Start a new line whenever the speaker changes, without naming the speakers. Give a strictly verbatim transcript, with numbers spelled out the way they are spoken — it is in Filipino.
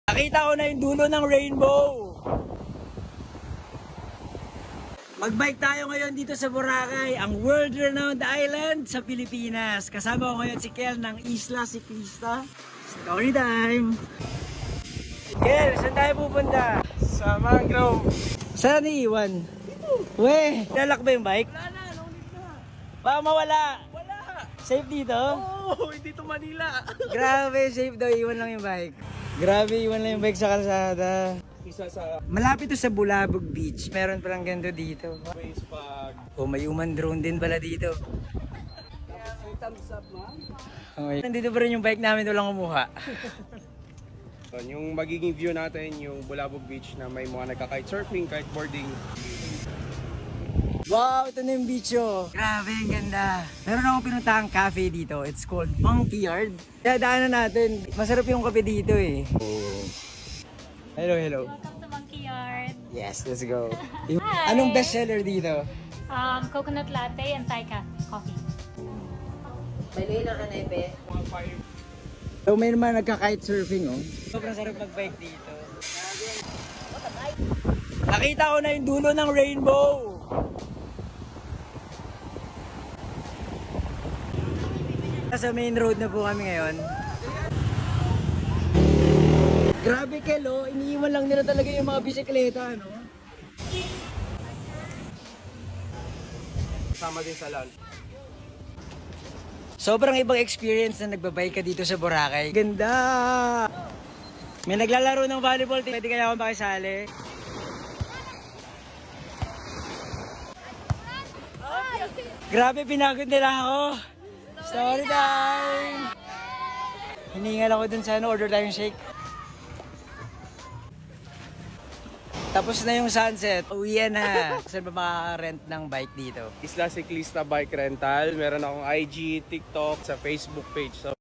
Nakita ko na yung dulo ng rainbow. Magbike tayo ngayon dito sa Boracay, ang world-renowned island sa Pilipinas. Kasama ko ngayon si Kel ng Isla Ciclista. Story time! Kel, saan tayo pupunta?
Sa mangrove.
Saan iiwan? Weh, lalak ba yung bike?
Wala na, no need na.
Baka mawala.
Wala.
Safe dito?
Oh, hindi to Manila.
Grabe, safe daw. Iwan lang yung bike. Grabe, iwan lang yung bike sa kalsada.
Isa sa
Malapit to sa Bulabog Beach. Meron palang ganito dito.
ways pag
Oh, may human drone din pala dito.
thumbs up, man.
Okay. Nandito pa rin yung bike namin, walang kumuha.
Yung magiging view natin, yung Bulabog Beach na may mga nagka-kite surfing, kiteboarding.
Wow, ito na yung beach oh. Grabe, ang ganda. Meron akong pinuntahang cafe dito. It's called Monkey Yard. Kaya daanan natin. Masarap yung kape dito eh. Oh. Hello, hello.
Welcome to Monkey Yard.
Yes, let's go. Yung-
Hi.
Anong bestseller dito?
Um, coconut latte and Thai ca- coffee.
So may naman nagka-kite surfing oh. Sobrang sarap mag-bike dito. Nakita ko na yung dulo ng rainbow. Sa main road na po kami ngayon. Grabe Kelo, iniiwan lang nila talaga yung mga bisikleta, no?
Kasama din sa land.
Sobrang ibang experience na nagbabike ka dito sa Boracay. Ganda! May naglalaro ng volleyball team. Pwede kaya akong makisali? Grabe, pinagod nila ako. Story time! Hiningal ako dun sa ano, order tayong shake. Tapos na yung sunset. Uwian na. Saan ba makaka-rent ng bike dito?
Isla Ciclista Bike Rental. Meron akong I G, TikTok, sa Facebook page. So